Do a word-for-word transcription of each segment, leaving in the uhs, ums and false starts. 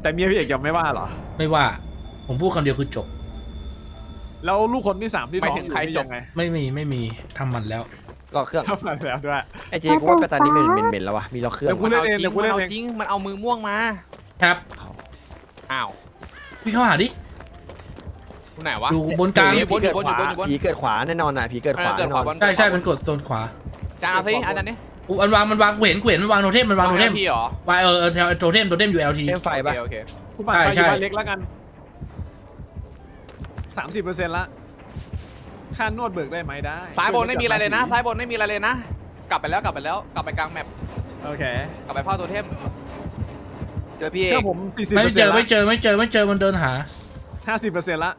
แต่เมียพี่เอกยังไม่ว่าเหรอไม่ว่าผมพูดคำเดียวคือจบแล้วลูกคนที่สามที่ท้องอยู่นี่ยังไงไม่มีไม่มีทำมันแล้วล็อกเครื่องทำมันแล้วด้วยไอเจกูว่าไปตอนนี้มันเหม็นๆแล้ววะมีล็อกเครื่องเดี๋ยวกูเล่นเองเดี๋ยวกูเล่นเองจริงมันเอามือม่วงมาครับอ้าวพี่เข้าหาดิคุณไหนวะอยู่บนกลางอยู่บนอยู่บนอยู่บนอยู่บนผีเกิดขวาแน่นอนอ่ะผีเกิดขวาแน่นอนใช่ใช่มันกดโซนขวาจานเอาสิอาจารย์นี่อูอันวางมันวางเห็นเห็นมันวางโทเทมมันวางโทเทมพี่หรอวางเออโทเทมโทเทมอยู่ แอล ทีเทมไฟป่ะโอเคกูปั่นไฟอยู่บ้านเล็กแล้วกันสามสิบเปอร์เซ็นต์ละค่านวดเบิกได้ไหมได้ซ้ายบนไม่มีอะไรเลยนะซ้ายบนไม่มีอะไรเลยนะกลับไปแล้วกลับไปแล้วกลับไปกลางแมปโอเคกลับไปเฝ้าตัวเทมเจอพี่เอเจกอผมสี่สิบไม่เจอไม่เจอไม่เจอไม่เจอมันเดินหาห้าสิบเปอร์เซ็นต์ละ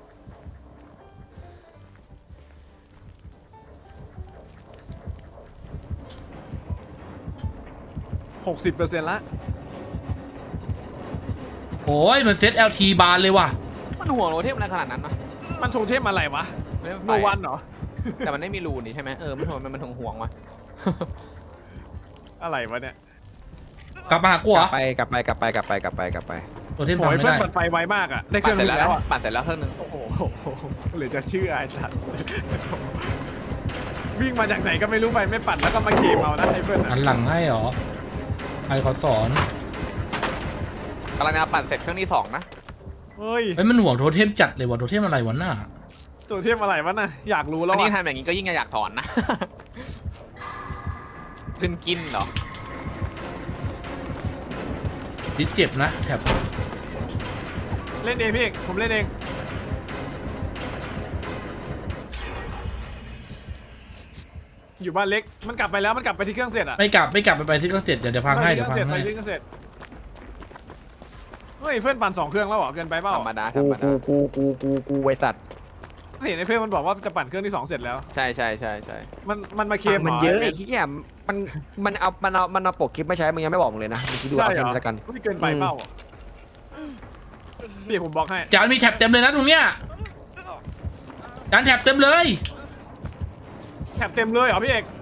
หกสิบเปอร์เซ็นต์ละโอ้ยมันเซต แอล ที บานเลยว่ะมันห่วงโรเทมอะไรขนาดนั้นนะมันโทเทมอะไรวะโนวันเหรอแต่มันไม่มีรูนี่ใช่ไหมเออมันห่วงมันมันห่วงวะอะไรวะเนี่ยกลับมาหากูเหรอกลับไปกลับไปกลับไปกลับไปกลับไปโทเทมทำไม่ได้ปั่นไฟไวมากอ่ะได้เครื่องนึงแล้วปั่นเสร็จแล้วเครื่องนึงโอ้โหหรือจะเชื่อไอ้ทัดวิ่งมาจากไหนก็ไม่รู้ไฟไม่ปั่นแล้วก็มาเกมเอานะไอ้เพื่อนหันหลังให้หรอใครเขาสอนกำลังจะปั่นเสร็จเครื่องที่สองนะเฮ้ยไอ้มันห่วงโทเทมจัดเลยว่ะโทเทมอะไรวะหน้าโทเทมอะไรวะน่ะอยากรู้แล้วอันนี้ทำอย่างนี้ก็ยิ่งอยากถอนนะขึ้นกินเหรอดิเจ็บนะแถบเล่นเองพี่เอกผมเล่นเองอยู่บ้านเล็กมันกลับไปแล้วมันกลับไปที่เครื่องเสร็จอ่ะไม่กลับไม่กลับไปไปที่เครื่องเสร็จเดี๋ยวเดี๋ยวพังให้เดี๋ยวพังให้ไปที่เครื่องเสร็จเฮ้ยเพื่อนปั่นสองเครื่องแล้วเหรอเกินไปเปล่าธรรมดาธรกูรมดากูกูกูกูกูไวสัตว์เห็นไอ้เพื่อนมันบอกว่าจะปั่นเครื่องที่สองเสร็จแล้วใช่ใช่ใช่ใช่มันมันมาเคมมันเยอะไอ้ที่เนี่ยมันมันเอามันเอามันเอาปกคลิปไม่ใช้มึงยังไม่บอกเลยนะมึงคิดดูเอาแค่นี้ละกันไม่เกินไปเปล่าพี่ผมบอกให้จานมีแท็บเต็มเลยนะตรงเนี้ยจานแท็บเต็มเลยแท็บเต็มเลยเหรอพี่เอก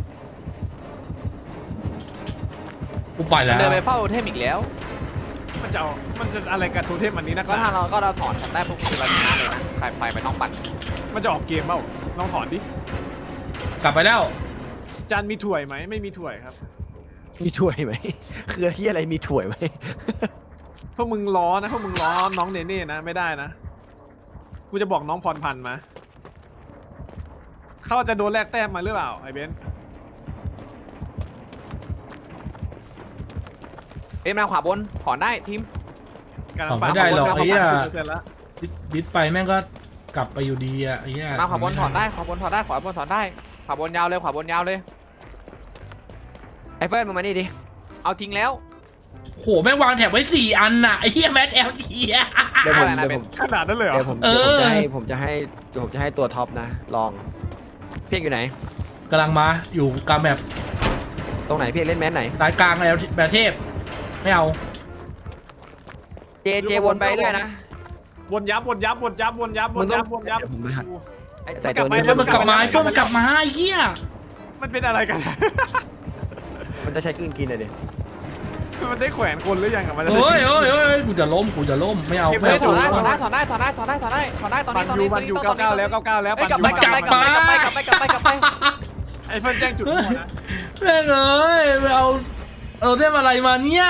กูไปแล้วเดินไปเฝ้าเทมอีกแล้วมันจะมันจะอะไรกับโทเทมอันนี้นะก็ถ้าเราก็เราถอนได้พวกคือเราชนะเลยนะใครไปไปต้องปั่นมันจะออกเกมเปล่าลองถอนดิกลับไปแล้วจานมีถ่วยไหมไม่มีถ่วยครับมีถ่วยไหมคือที่อะไรมีถ่วยไหมพวกมึงล้อนะพวกมึงล้อน้องเนเน่นะไม่ได้นะกูจะบอกน้องพรพันธ์มาเขาจะโดนแลกแต้มมาหรือเปล่าไอ้เบนเอ็มมาขวาบนถอนได้ทีมถอนไม่ได้หรอกไอ้เหี้ยบิดไปแม่งก็กลับไปอยู่ดีอ่ะไอ้เหี้ยมาขวาบนถอนได้ขวาบนถอนได้ขวาบนถอนได้ขวาบนยาวเลยขวาบนยาวเลยไอ้เฟิร์นมึงมานี่ดิเอาทิ้งแล้วโหแม่งวางแถบไว้สี่อันน่ะไอ้เหี้ยแมทแอลทีอ่ะเดี๋ยวผมเดี๋ยวผมขนาดนั้นเลยเหรอเดี๋ยวผมจะให้ผมจะให้ผมจะให้ตัวท็อปนะลองเพียกอยู่ไหนกำลังมาอยู่กลางแบบตรงไหนเพียกเล่นแมสไหนสายกลางแล้วแบบเทพไม่เอาเจเจวนไปเลยนะวนยับวนยับวนยับวนยับวนยับวนยับแต่ตัวนี้มันกลับมาช่วงมันกลับมาไอ้เหี้ยมันเป็นอะไรกันมันจะใช้กลืนกินเลยดิมันได้แขวนคนหรือยังอะมันเฮ้ยเฮ้ยเฮ้ยกูจะล้มกูจะล้มไม่เอาไม่เอาถอนได้ถอนได้ถอนได้ถอนได้ถอนได้ถอนได้ถอนได้ตอนนี้ตอนนี้ตอนนี้อยู่เก้าเก้าแล้วเก้าเก้าแล้วกลับไปกลับไปกลับไปกลับไปกลับไปกลับไปกลับไปไอ้เฟิร์นแจ้งจุดหัวนะแม่งเอ้ยไปเอาเอาเทมอะไรมาเนี่ย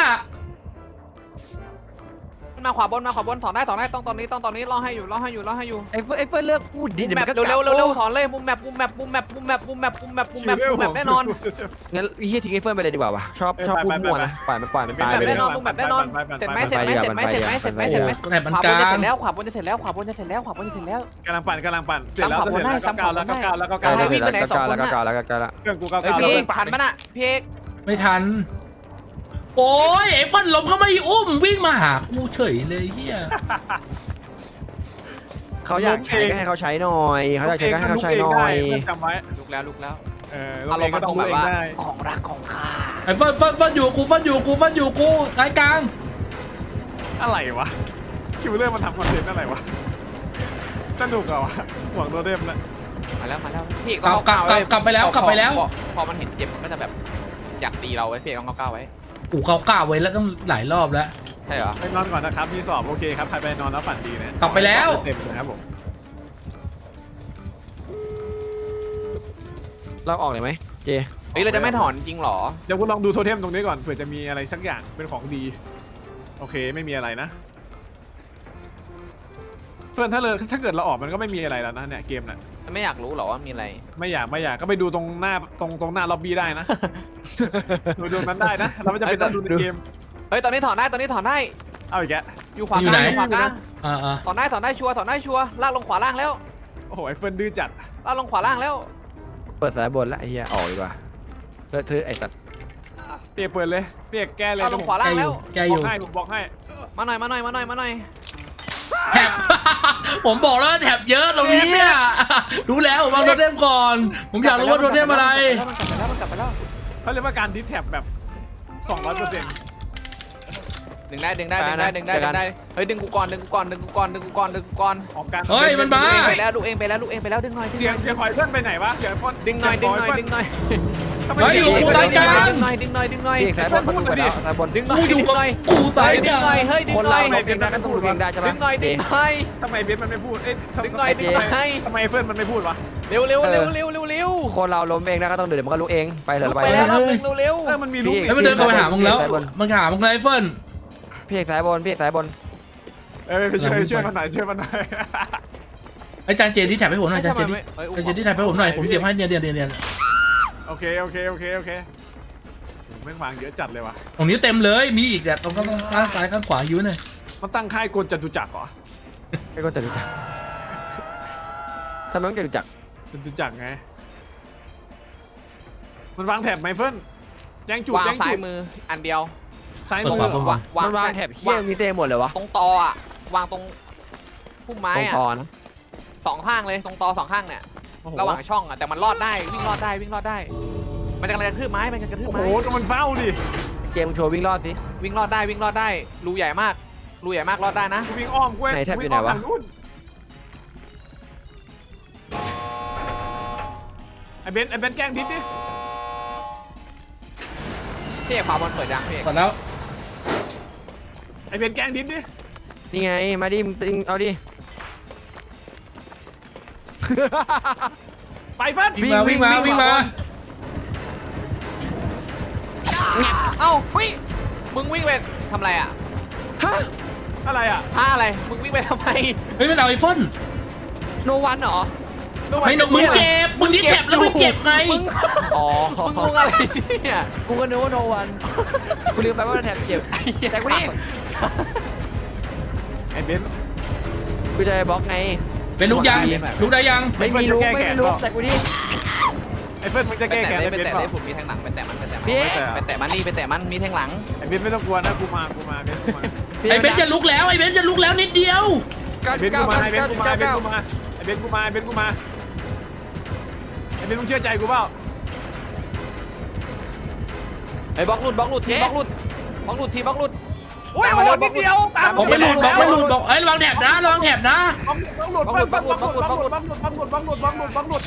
มาขวาบนมาขวาบนถอนได้ถอนได้ต้องตอนนี้ต้องตอนนี้รอให้อยู่รอให้อยู่รอให้อยู่ไอ้เฟิร์นไอ้เฟิร์นเลือกพูดดิเร็วเร็วเร็วเร็วถอนเลยมุมแมปมุมแมปมุมแมปมุมแมปมุมแมปมุมแมปมุมแมปมุมแมปแน่นอนงั้นเฮียทิ้งไอ้เฟิร์นไปเลยดีกว่าวะชอบชอบพูดมั่วนะปล่อยมันปล่อยมันตายไปแน่นอนมุมแมปแน่นอนเสร็จไหมเสร็จไหมเสร็จไหมเสร็จไหมเสร็จไหมเสร็จไหมแต่มันกลางขวาบนจะเสร็จแล้วขวาบนจะเสร็จแล้วขวาบนจะเสร็จแล้วขวาบนจะเสร็จแล้วกำลังปั่นกำลังปั่นเสร็จแล้วเสร็จแล้วเก้าแล้วเก้าแล้วเก้าแล้ววิ่งไปไหนสองคนน่ะแล้วก็แล้วเครื่องกูเก้าเก้าพี่เอกทันปะน่ะพี่เอกไม่ทันโอ้ยไอ้ฟันล้มเขาไม่อุ้มวิ่งมาหากูเฉยเลยเฮียเขาอยากใช้ก็ให้เขาใช้หน่อยเขาอยากใช้ก็ให้เขาใช้หน่อยจำไว้ลุกแล้วลุกแล้วเออเราก็ต้องแบบว่าของรักของข้าไอ้ฟันฟันฟันอยู่กูฟันอยู่กูฟันอยู่กูสายกลางอะไรวะคิวเลอร์มันทำคอนเทนต์อะไรวะสนุกเหรอวะหวังตัวเต็มนะมาแล้วมาแล้วพี่กลับกลับกลับไปแล้วกลับไปแล้วพอมันเห็นเจ็บมันก็จะแบบอยากตีเราไว้พี่ต้องเก้าเก้าไว้กูเขาก้าวไว้แล้วต้องหลายรอบแล้วใช่เหรอไปนอนก่อนนะครับมีสอบโอเคครับใครไปนอนแล้วฝันดีนะกลับไปแล้วเต็มนะครับผมเราออกเลยไหมเจเฮ้ยเราจะไม่ถอนจริงเหรอเดี๋ยวคุณลองดูโทเทมตรงนี้ก่อนเผื่อจะมีอะไรสักอย่างเป็นของดีโอเคไม่มีอะไรนะเฟิร์นถ้าเลยถ้าเกิดเราออกมันก็ไม่มีอะไรแล้วนะเนี่ยเกมน่ะไม่อยากรู้เหรอว่ามีอะไรไม่อยากไม่อยากก็ไปดูตรงหน้าตรงตรงหน้าล็อบบี้ได้นะ ดูดูนั้นได้นะเราไม่จำเป็นต้องดูในเกมเฮ้ยตอนนี้ถอนได้ตอนนี้ถอนได้เอาอีกแกะอยู่ขวาอยู่กลางไหนอยู่ขวากลางอ่าอ่าถอนได้ถอนได้ชัวร์ถอนได้ชัวร์ลากลงขวาล่างแล้วโอ้โหไอ้เฟิร์นดื้อจัดลากลงขวาล่างแล้วเปิดสายบนแล้วไอ้เหี้ยออกดีกว่าเลอะเทอะไอ้สัตว์เปียกเปิดเลยเปียกแก้เลยลากลงขวาล่างแล้วแกบออกยู่ให้ผมบอกให้มาหน่อยมาหน่อยมาหน่อยมาหน่อยแถบ ผมบอกแล้วว่าแถบเยอะตรงนี้อะรู้แล้วผมวางโทเทมก่อน ผมอยากรู้ว่าโทเทมอะไรมันกลับไปแล้วมันกลับไปแล้วเขาเรียกว่าการดิสแท็บแบบ สองร้อยเปอร์เซ็นต์ดึงได้ดึงได้ดึงได้ดึงได้ดึงได้เฮ้ยดึงกูก่อนดึงกูก่อนดึงกูก่อนดึงกูก่อนดึงกูก่อนออกการเฮ้ยมันมาลูกเองไปแล้วลูกเองไปแล้วลูกเองไปแล้วดึงหน่อยดึงเสีหยน่งอยเสียงหอยเพื่อนไปไหนวะเสียงฟอนดึงหน่อยดึงหน่อยดึงหน่อยทำไมเฮ้ยเสียงอยู่เพื่อนกูตายกลางดึงหน่อยดึงหน่อยดึงหน่อยพี่เอกสายบนประตูเปิดแล้วสายบนดึงหน่อกูยอยู่ดึงกับหน่อยกูสายดึงกลางหน่อยเฮ้ยดึงคนหน่เราอยเราเองได้ก็ต้องรู้เองได้ใช่ไหมดึงหน่อยดึงหน่อยทำไมเบสมันไม่พูดเอ๊ะทำดึงหน่อยดึงหน่อยทำไมเฟิร์นมันไม่พูดวะเร็วเร็วเร็วเร็วเร็วเร็วคนเราล้มเองได้ก็ต้องเดินเดี๋ยวมันก็รู้เองไปเถลุอะกไปไปเลแล้ยวรอบนึงเร็วเร็วเออมันมีลูกพี่อีกเฮ้ยมันเดินเข้าไปหามึงแล้วสายบนมันหามึงไรเฟิร์นพี่เอกสายบนพี่เอกสายบนเออไปช่วยช่วยมันหน่อยช่วยมันหน่อยไอ้จานเจนที่แถบให้ผมหน่อยจานเจนที่เฮ้ยจานเจนที่แถบให้ผมหน่อยผมเก็บให้เนียนเนียนเนียนเนียนโอเคโอเคโอเคโอเคแม่งวางเยอะจัดเลยว่ะตรงนี้เต็มเลยมีอีกแต่ตรงข้างข้างซ้ายข้างขวาอยู่หน่อยมันตั้งค่ายกลจตุจักรเหรอไอ้คนจะรู้จักทำไมต้องจะรู้จักจตุจักรไงมันวางแถบไหมเฟิร์นแจ้งจุดวางแจ้งซ้ายจุดมืออันเดียวซ้ายเปิดมือขวาเปิดขวาวางวางมันวางแถบเฮี้ยมีเต็มหมดเลยวะตรงตออ่ะวางตรงพุ่มไม้ตรงอ่ะคอนะสองข้างเลยตรงตอสองข้างเนี่ยโอ้โหระหว่างช่องอ่ะแต่มันรอดได้วิ่งรอดได้วิ่งรอดได้ มันจะกำลังกระทืบไม้มันจะกระทืบโอ้ไม้โหดูมันเฝ้าดิเกมโชว์วิ่งรอดสิวิ่งรอดได้วิ่งรอดได้รูใหญ่มากรูใหญ่มากรอดได้นะวิ่งอ้อมเว้ยไหนแถบอยู่วิ่งไหนอ้อมวะทางนู้นไอ้เบนซ์ไอ้เบนซ์แกล้งดิสดิพี่เอกขวาบอลเปิดยังพี่เอกหมดแล้วไอ้เบนซ์แกล้งดิสดินี่ไงมาดิมึงตึงเอาดิไปเฟิร์นวิ่งมาวิ่งมาวิ่งมาเอ้าวิ่งมึงวิ่งไปทำอะไรอ่ะฮะอะไรอ่ะท่าอะไรมึงวิ่งไปทำไมเฮ้ยมันเอาไอ้เฟิร์นโนวันเหรอไม่หนกมึงเจ็บมึงที่เจ็บแล้วมึงเจ็บไงมึงอ๋อมึงงงอะไรเนี่ยกูก็นึกว่าโนวันกูลืมไปว่าแถบเจ็บแต่กูนี่ไอ้เบนซ์กูจะบล็อกไงเป็นลูกยังลูกได้ยังไม่มีรู้ไม่มีรู้แต่กูนี่ไอ้เฟิร์นมึงจะไปแก้แตะแค้นเลยไอ้ไปเบนแตะซ์เปเลยล่าผมมีแทงหลังไปแตะมันไปแตะมันพี่ไปแตะมันนี่ไปแตะมันมีแทงหลังไอ้เบนซ์ไม่ต้องกลัวนะกูมากูมาเบนซ์กูมาไอ้เบนจะลุกแล้วไอ้เบนจะลุกแล้วนิดเดียวเก้าไอ้เบนซ์เก้ากูมาเก้าไอ้เบนซ์กูมาไอ้เบนซ์กูมาไอ้เบนซ์กูมาไอ้เบนซ์กูมาไอ้เบนซ์มึงเชื่อใจกูเปล่าไอ้บล็อกหลุดบล็อกหลุดทีบล็อกหลุดบล็อกหลุดทีบล็อกหลุดโอ้ยโอ้ยนิดเดียวตามบอกไม่หลุดบอกไม่หลุดบอกเอ้ยระวังแถบนะระวังแถบนะบังหลุดบังหลุดบังหลุดบังหลุดบังหลุดบังหลุดบังหลุดบังหลุดบังหลุดบังหลุด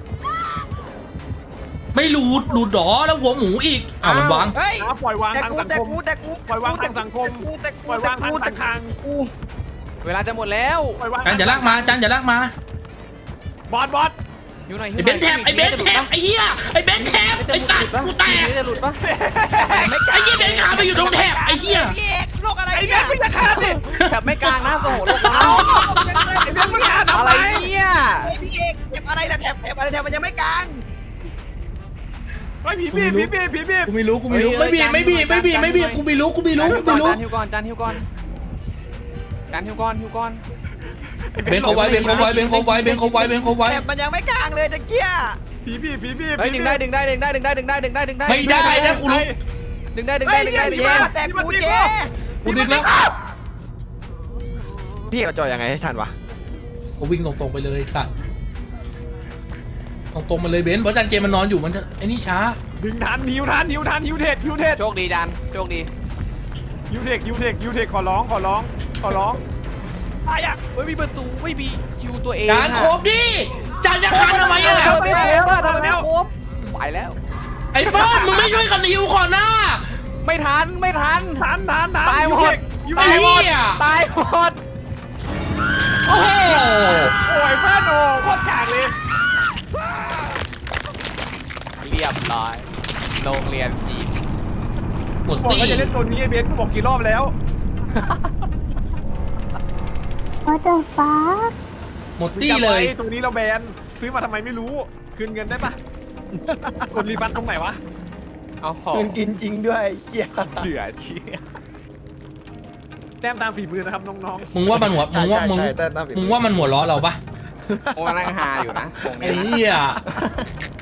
ไม่หลุดหลุดหรอแล้วหัวหมูอีกอ้าวมันวางเฮ้ยปล่อยวางแต่ทางกูสังแต่คมกูแต่กูปล่อยวางทางสังคมแต่กูปล่อยวางทางแต่ทางกูเวลาจะหมดแล้วปล่อยวางจานอย่าลากมาจานอย่าลากมาบอสบอสอยู่หน่อยไอ้เบนแถบไอ้เบนแถบไอ้เหี้ยไอ้เบนแถบไอ้สัตว์กูแตกจะหลุดปะไอ้เหี้ยเบนขาไปอยู่ตรงแถบไอ้เหี้ยพี่เอกโลกอะไรไอ้เบเนี่ยนซ์มึงจะฆ่าดิแถบไม่กลางนะโอ้โหโลกเราไอ้เบนซ์มึงฆ่าทำอะไรไมเนี่ยพี่เอกแถบอะไรนะแถบแถบอะไรแถบมันยังไม่กลางไอ้ผีบีบผีบีบผีบีบกูไม่รู้กูไม่รู้ไม่บีบไม่บีบไม่บีบไม่บีบกูไม่รู้กูไม่รู้กูไม่รู้จานฮิวก่อนจานฮิวก่อนจานฮิวก่อนฮิวก่อนเบนเขาไว้เบนเขาไว้เบนเขาไว้เบนเขาไว้เบนเขาไว้แถบมันยังไม่กลางเลยตะเกียผีบีบผีบีบเฮ้ยดึงได้ดึงได้ดึงได้ดึงได้ดึงได้ดึงได้ดึงได้ไม่ได้นะกูรู้ดึงได้ดึงได้ดึงได้ดึงได้แต่กูเจกูดึงแล้วพี่เราจอยยังไงให้ทันวะกูวิ่งตรงๆไปเลยสัตว์ตรงๆมาเลยเบนเพราะจานเจมันนอนอยู่มันจะไอ้นี่ช้าดึงทันหิวทันหิวทันหิวเทศหิวเทศโชคดีจานโชคดีหิวเทคหิวเทคหิวเทคขอร้องขอร้องขอร้องตายอ่ะไม่มีประตูไม่มีคิวตัวเองจานโคบดิจานจะคันทำไมอ่ะทำไมไม่ครบทำไมไม่ครบไปแล้วไอ้เฟิร์นมึงไม่ช่วยกันฮิวก่อนนะไม่ทันไม่ทันทันทันทันตายหมดกูตายหมดไอ้เหี้ยตายหมดโอ้โหโอ้ยเพื่อนโอ้โคตรกากเลยเรียบร้อยโรงเรียนจีนหมดบอกตีว่าจะเล่นตัวนี้ไอ้เบนกูบอกกี่รอบแล้ว What the fuck หมดตีเลยจำไว้ตัวนี้เราแบนซื้อมาทำไมไม่รู้คืนเงินได้ปะกดรีฟันตรงไหนวะเอาหอคืนกินจริงด้วยเหี้ยเหลือเชี่ยแต้มตามฝีมือนะครับน้องมึงว่ามันหัวมึงว่ามึงใช่ใช่แต่ตามฝีมึงว่ามันหัวล้อเราปะโอ้นั่งฮาอยู่นะตรงไอ้นี้เหี้ย